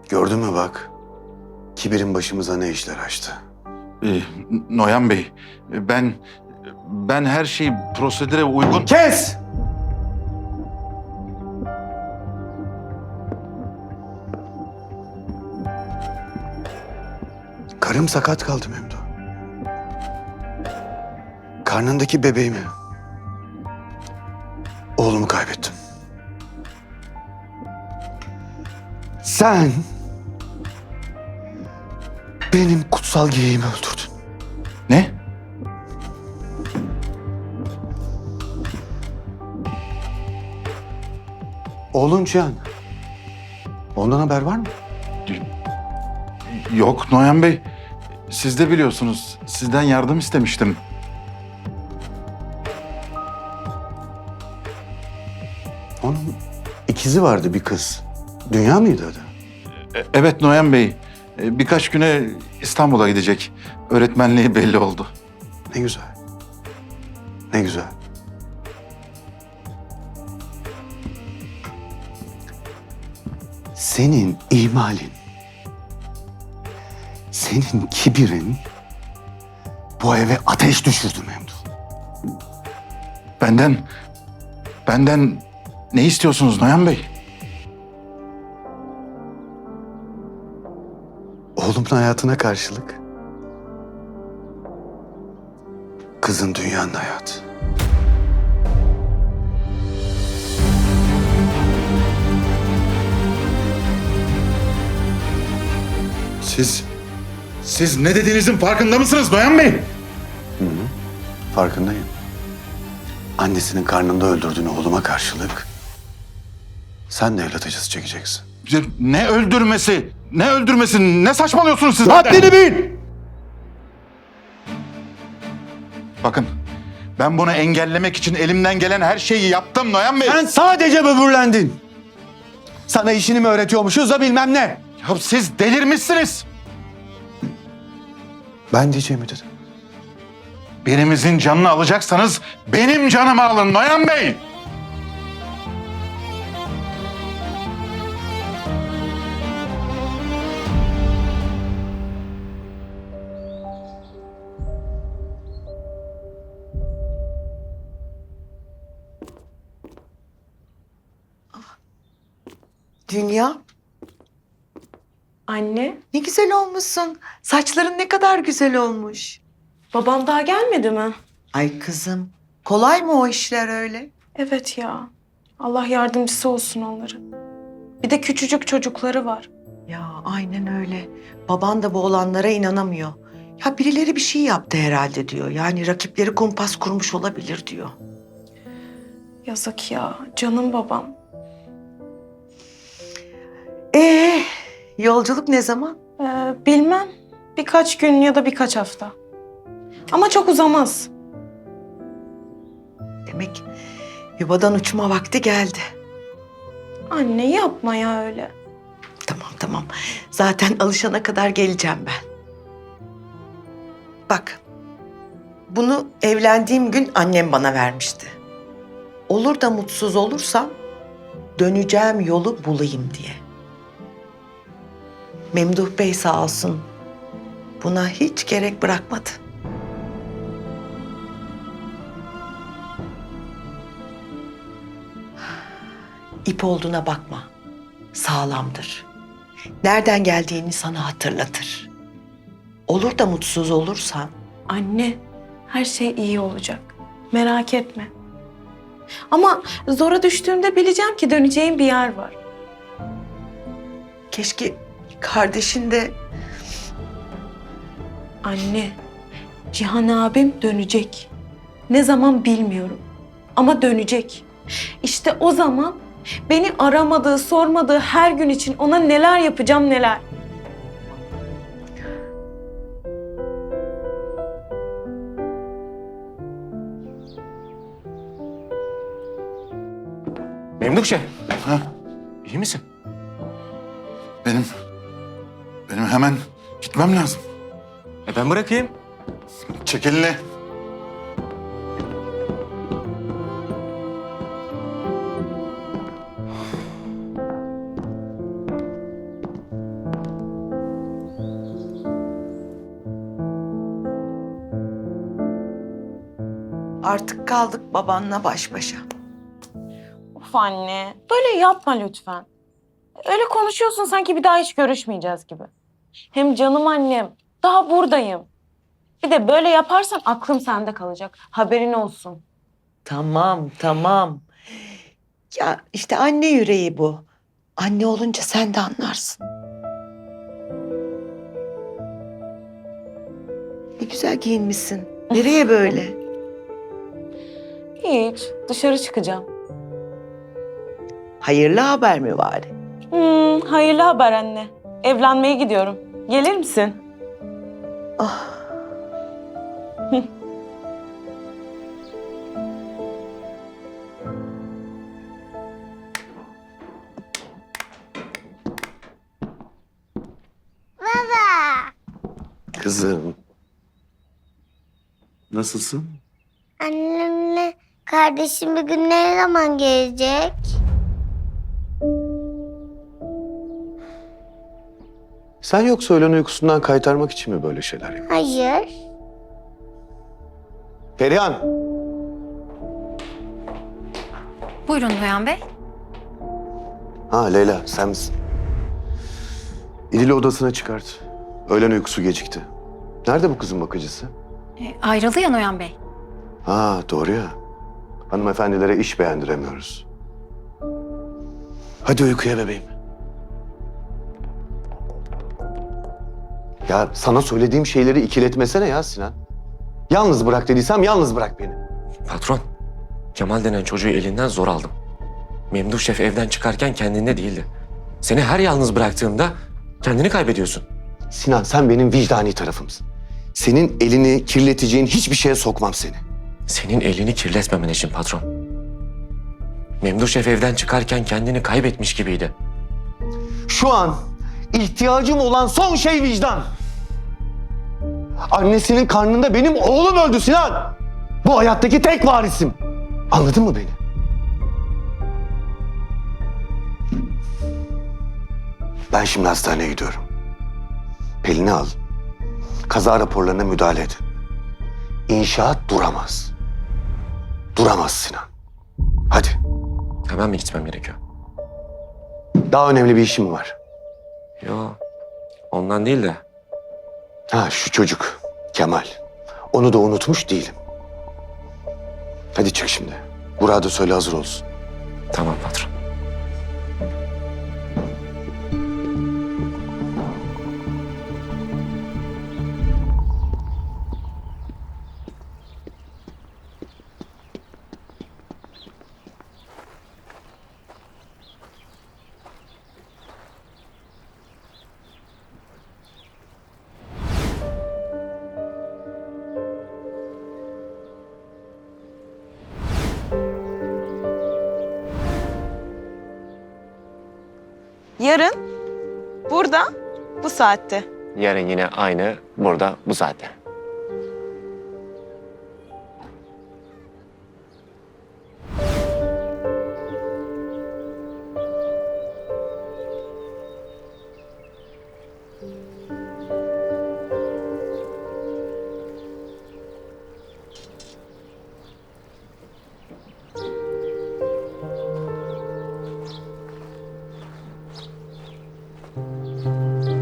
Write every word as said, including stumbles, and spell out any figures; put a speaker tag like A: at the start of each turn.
A: Gördün mü bak? Kibirin başımıza ne işler açtı.
B: Ee, Noyan Bey, ben ben her şeyi prosedüre uygun...
A: Kes! Karım sakat kaldı Memduh. Karnındaki bebeğimi, oğlumu kaybettim. Sen benim kutsal geyiğimi öldürdün.
B: Ne?
A: Oğlun Cihan. Ondan haber var mı?
B: Yok Noyan Bey, siz de biliyorsunuz. Sizden yardım istemiştim.
A: Onun ikizi vardı, bir kız. Dünya mıydı adı?
B: E- Evet Noyan Bey, e, birkaç güne İstanbul'a gidecek. Öğretmenliği belli oldu.
A: Ne güzel. Ne güzel. Senin ihmalin, senin kibirin bu eve ateş düşürdü Memduh.
B: Benden, benden ne istiyorsunuz Noyan Bey?
A: Oğlumun hayatına karşılık kızın dünyanın hayatı.
B: Siz, siz ne dediğinizin farkında mısınız Noyan Bey?
A: Farkındayım. Annesinin karnında öldürdüğün oğluma karşılık sen de evlat acısı çekeceksin.
B: Ne öldürmesi, ne öldürmesi, ne saçmalıyorsunuz siz?
A: Haddini bil!
B: Bakın, ben bunu engellemek için elimden gelen her şeyi yaptım Noyan Bey.
A: Sen sadece böbürlendin. Sana işini mi öğretiyormuşuz da bilmem ne.
B: Ya siz delirmişsiniz.
A: Ben diyeceğimi dedim.
B: Birimizin canını alacaksanız benim canımı alın Noyan Bey.
C: Dünya,
D: Anne,
C: ne güzel olmuşsun. Saçların ne kadar güzel olmuş.
D: babam daha gelmedi mi?
C: Ay kızım, kolay mı o işler öyle?
D: Evet ya. Allah yardımcısı olsun onların. Bir de küçücük çocukları var.
C: Ya aynen öyle. Baban da bu olanlara inanamıyor. Ya birileri bir şey yaptı herhalde diyor. Yani rakipleri kumpas kurmuş olabilir diyor.
D: Yazık ya. Canım babam.
C: Ee, yolculuk ne zaman?
D: Ee, bilmem. Birkaç gün ya da birkaç hafta. Ama çok uzamaz.
C: Demek yuvadan uçma vakti geldi.
D: Anne yapma ya öyle.
C: Tamam tamam. Zaten alışana kadar geleceğim ben. Bak. Bunu evlendiğim gün annem bana vermişti. Olur da mutsuz olursam döneceğim yolu bulayım diye. Memduh Bey sağ olsun buna hiç gerek bırakmadı. İp olduğuna bakma. Sağlamdır. Nereden geldiğini sana hatırlatır. Olur da mutsuz olursan
D: Anne, her şey iyi olacak. Merak etme. Ama zora düştüğümde bileceğim ki döneceğim bir yer var.
C: keşke kardeşin de
D: Anne, Cihan abim dönecek. Ne zaman bilmiyorum. Ama dönecek. İşte o zaman beni aramadığı, sormadığı her gün için ona neler yapacağım neler.
E: Memdukçe,
B: Ha?
E: iyi misin?
B: Benim, benim hemen gitmem lazım.
E: E ben bırakayım.
B: Çek elini.
C: Artık kaldık babanla baş başa.
D: Of anne, böyle yapma lütfen. Öyle konuşuyorsun sanki bir daha hiç görüşmeyeceğiz gibi. Hem canım annem, daha buradayım. Bir de böyle yaparsan aklım sende kalacak. Haberin olsun.
C: Tamam, tamam. Ya işte anne yüreği bu. Anne olunca sen de anlarsın. Ne güzel giyinmişsin. Nereye böyle?
D: Hiç, dışarı çıkacağım.
C: Hayırlı haber mi var?
D: Hmm, hayırlı haber anne. Evlenmeye gidiyorum. Gelir misin?
C: Ah.
A: Kızım. Nasılsın?
F: Annemle kardeşim bir gün ne zaman gelecek?
A: Sen yoksa öğlen uykusundan kaytarmak için mi böyle şeyler yapıyorsun?
F: Hayır.
A: Perihan.
G: Buyurun Noyan Bey.
A: Ha Leyla sen misin? İdil'i odasına çıkart. Öğlen uykusu gecikti. Nerede bu kızın bakıcısı?
G: E, ayrıldı ya Noyan Bey.
A: Ha doğru ya. Hanımefendilere iş beğendiremiyoruz. Hadi uykuya bebeğim. Ya sana söylediğim şeyleri ikiletmesene ya Sinan. Yalnız bırak dediysem yalnız bırak beni.
E: Patron, Kemal denen çocuğu elinden zor aldım. Memduh Şef evden çıkarken kendinde değildi. Seni her yalnız bıraktığımda kendini kaybediyorsun.
A: Sinan sen benim vicdani tarafımsın. Senin elini kirleteceğin hiçbir şeye sokmam seni.
E: Senin elini kirletmemen için patron. Memduh Şef evden çıkarken kendini kaybetmiş gibiydi.
A: Şu an ihtiyacım olan son şey vicdan. Annesinin karnında benim oğlum öldü Sinan. Bu hayattaki tek varisim. Anladın mı beni? Ben şimdi hastaneye gidiyorum. Pelin'i al. Kaza raporlarına müdahale et. İnşaat duramaz. Duramaz Sinan. Hadi.
E: Hemen mi gitmem gerekiyor?
A: Daha önemli bir işim var.
E: Yo, ondan değil de.
A: Ha şu çocuk Kemal. Onu da unutmuş değilim. Hadi çık şimdi. Burak'a da söyle hazır olsun.
E: Tamam patron.
D: Yarın, burada, bu saatte.
E: Yarın yine aynı burada bu saatte.